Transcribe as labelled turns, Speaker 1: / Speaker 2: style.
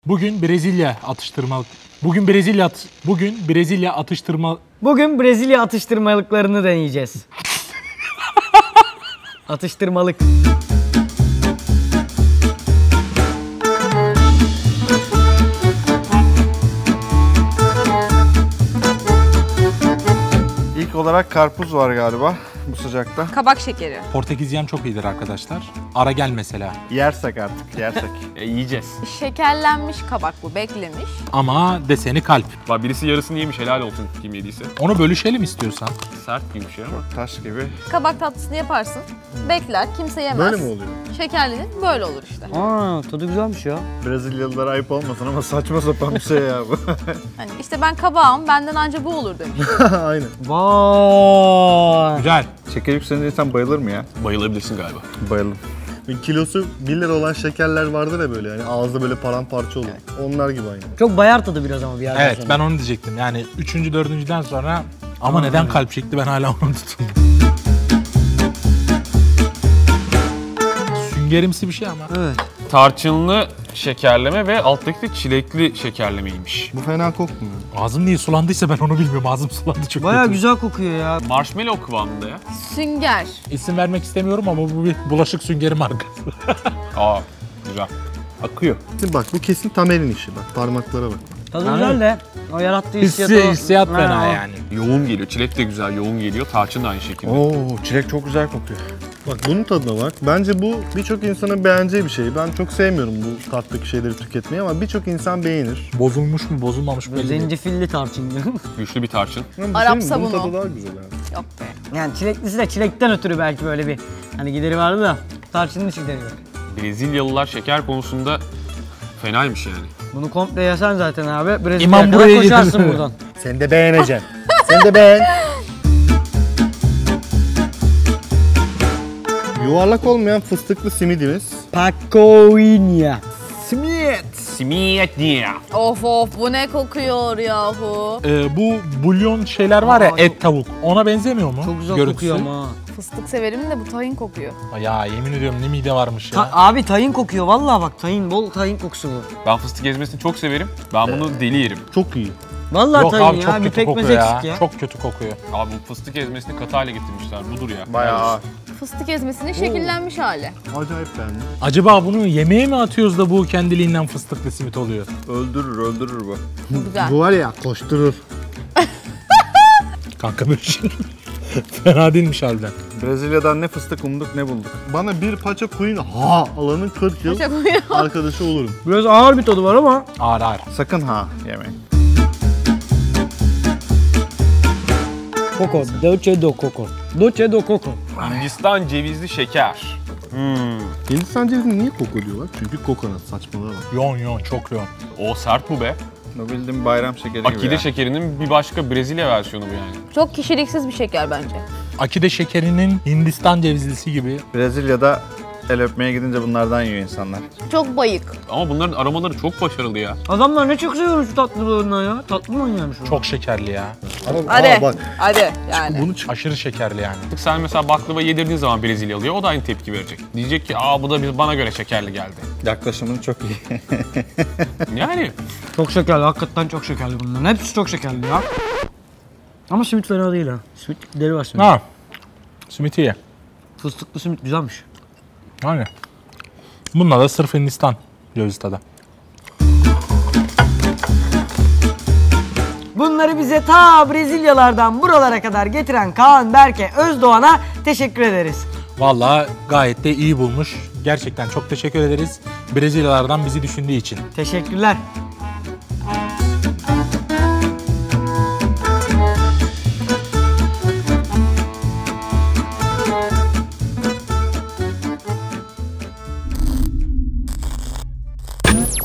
Speaker 1: Bugün Brezilya
Speaker 2: atıştırmalıklarını deneyeceğiz. Atıştırmalık.
Speaker 3: İlk olarak karpuz var galiba bu sıcakta.
Speaker 4: Kabak şekeri.
Speaker 1: Portekiz yem çok iyidir arkadaşlar. Ara gel mesela.
Speaker 3: Yersek artık, yersek.
Speaker 5: Yiyeceğiz.
Speaker 4: Şekerlenmiş kabak bu, beklemiş.
Speaker 1: Ama deseni kalp.
Speaker 5: Bak birisi yarısını yemiş, helal olsun kim yediyse.
Speaker 1: Onu bölüşelim istiyorsan.
Speaker 5: Sert gibi bir şey ama.
Speaker 3: Taş gibi.
Speaker 4: Kabak tatlısını yaparsın, bekler, kimse yemez.
Speaker 3: Böyle mi oluyor?
Speaker 4: Şekerlenir, böyle olur işte.
Speaker 2: Aa, tadı güzelmiş ya.
Speaker 3: Brezilyalılara ayıp olmasın ama saçma sapan bir şey ya bu.
Speaker 4: Hani işte ben kabağım, benden anca bu olur demiş.
Speaker 3: Aynen.
Speaker 2: Vay.
Speaker 1: Güzel.
Speaker 3: Şeker yükselince insan bayılır mı ya?
Speaker 5: Bayılabilirsin galiba.
Speaker 3: Bayıldım. Kilosu 1 lira olan şekerler vardır ya böyle yani ağızda böyle paramparça olur. Onlar gibi aynı.
Speaker 2: Çok bayar tadı biraz ama bir yerden
Speaker 1: Evet
Speaker 2: sonra.
Speaker 1: ben onu diyecektim. Yani 3. 4.'den sonra ama neden kalp şekli ben hala onu tutundum. Süngerimsi bir şey ama.
Speaker 2: Evet.
Speaker 5: Tarçınlı şekerleme ve alttaki de çilekli şekerlemeymiş.
Speaker 3: Bu fena kokmuyor.
Speaker 1: Ağzım niye sulandıysa ben onu bilmiyorum. Ağzım sulandı çok
Speaker 2: Bayağı
Speaker 1: kötü.
Speaker 2: güzel kokuyor ya.
Speaker 5: Marshmallow kıvamında ya.
Speaker 4: Sünger.
Speaker 1: İsim vermek istemiyorum ama bu bir bulaşık süngeri markası.
Speaker 5: Aa, güzel.
Speaker 3: Akıyor. Bak bu kesin Tamer'in işi bak parmaklara bak.
Speaker 2: Tadı güzel de o yarattığı hissiyatı...
Speaker 1: Hissiyat fena
Speaker 2: Ha, o.
Speaker 1: yani.
Speaker 5: Yoğun geliyor. Çilek de güzel, yoğun geliyor. Tarçın da aynı şekilde.
Speaker 3: Oo, çilek çok güzel kokuyor. Bak bunun tadına bak. Bence bu birçok insanın beğeneceği bir şey. Ben çok sevmiyorum bu tattaki şeyleri tüketmeyi ama birçok insan beğenir.
Speaker 1: Bozulmuş mu bozulmamış mı belli değil.
Speaker 2: Zencefilli tarçın.
Speaker 5: Güçlü bir tarçın.
Speaker 3: Ama
Speaker 4: Arap
Speaker 3: bunun
Speaker 4: sabunu.
Speaker 3: tadı daha güzel yani.
Speaker 4: Yok be.
Speaker 2: Yani çileklisi de çilekten ötürü belki böyle bir hani gideri vardı da tarçının içi gideri yok.
Speaker 5: Brezilyalılar şeker konusunda fenaymış yani.
Speaker 2: Bunu komple yesen zaten abi.
Speaker 1: İmam
Speaker 2: Brezilya'ya kadar
Speaker 1: buraya
Speaker 2: koşarsın
Speaker 1: getirdi.
Speaker 2: buradan.
Speaker 3: Sen de beğeneceksin. Sen de beğen. Yuvarlak olmayan fıstıklı simidimiz.
Speaker 2: Pacoinia.
Speaker 3: Simit.
Speaker 5: Simiyet diye.
Speaker 4: Of bu ne kokuyor yahu.
Speaker 1: Bu bulyon şeyler var ya
Speaker 2: Aa,
Speaker 1: et tavuk. Ona benzemiyor mu?
Speaker 2: Çok güzel
Speaker 1: Görüntüsü?
Speaker 2: kokuyor ama.
Speaker 4: Fıstık severim de bu tahin kokuyor.
Speaker 1: Ya yemin ediyorum ne mide varmış ya.
Speaker 2: Abi tahin kokuyor vallahi bak tahin bol tahin kokusu bu.
Speaker 5: Ben fıstık ezmesini çok severim. Ben bunu deli yerim.
Speaker 3: Çok iyi.
Speaker 2: Vallahi
Speaker 1: Yok
Speaker 2: tahin
Speaker 1: abi
Speaker 2: ya
Speaker 1: çok
Speaker 2: bir
Speaker 1: kötü
Speaker 2: pekmez
Speaker 1: kokuyor
Speaker 2: eksik
Speaker 1: ya.
Speaker 2: ya.
Speaker 1: Çok kötü kokuyor.
Speaker 5: Abi bu fıstık ezmesini katı hale getirmişler. Budur ya.
Speaker 3: Bayağı
Speaker 4: Fıstık ezmesinin şekillenmiş hali.
Speaker 3: acayip beğendim.
Speaker 1: Acaba bunu yemeğe mi atıyoruz da bu kendiliğinden fıstıklı simit oluyor?
Speaker 3: Öldürür bu.
Speaker 4: Bu güzel.
Speaker 3: Bu var ya koşturur.
Speaker 1: Kanka böyle şey. Fena değilmiş harbiden.
Speaker 3: Brezilya'dan ne fıstık umduk ne bulduk. Bana bir paça koyun alanın 40 yıl
Speaker 4: Paça koyun.
Speaker 3: arkadaşı olurum.
Speaker 2: Biraz ağır bir tadı var ama.
Speaker 1: Ağır ağır.
Speaker 3: Sakın yemeyin.
Speaker 2: Coco, dolce do coco. Dolce do coco.
Speaker 5: Hindistan cevizli şeker.
Speaker 3: Hindistan cevizini niye koko diyorlar? Çünkü kokonat saçmalığa bak.
Speaker 1: Yoğun çok yoğun.
Speaker 5: O sert bu be.
Speaker 3: O bildiğim bayram şekeri gibi
Speaker 5: Akide
Speaker 3: ya.
Speaker 5: şekerinin bir başka Brezilya versiyonu bu yani.
Speaker 4: Çok kişiliksiz bir şeker bence.
Speaker 1: Akide şekerinin Hindistan cevizlisi gibi.
Speaker 3: Brezilya'da el öpmeye gidince bunlardan yiyor insanlar.
Speaker 4: Çok bayık.
Speaker 5: Ama bunların aromaları çok başarılı ya.
Speaker 2: Adamlar ne çok seviyormuş şu tatlılığından ya. Tatlı mı oynuyormuş bu?
Speaker 1: Çok şekerli ya.
Speaker 3: Ama
Speaker 4: Hadi.
Speaker 3: bak
Speaker 4: Hadi yani.
Speaker 3: bunu
Speaker 1: Aşırı şekerli yani.
Speaker 5: Sen mesela baklava yedirdiğin zaman Brezilyalıya o da aynı tepki verecek. Diyecek ki bu da bana göre şekerli geldi.
Speaker 3: yaklaşımın çok iyi.
Speaker 5: Yani
Speaker 2: Çok şekerli, hakikaten çok şekerli bunların. Hepsi çok şekerli ya. Ama simit fena değil ha. Simitleri var simit.
Speaker 1: Ha. Simit iyi.
Speaker 2: Fıstıklı simit güzelmiş.
Speaker 1: Yani. Bununla da sırf Hindistan cevizi tadı.
Speaker 2: Bunları bize ta Brezilyalardan buralara kadar getiren Kaan Berke Özdoğan'a teşekkür ederiz.
Speaker 1: Vallahi gayet de iyi bulmuş. Gerçekten çok teşekkür ederiz. Brezilyalardan bizi düşündüğü için.
Speaker 2: Teşekkürler.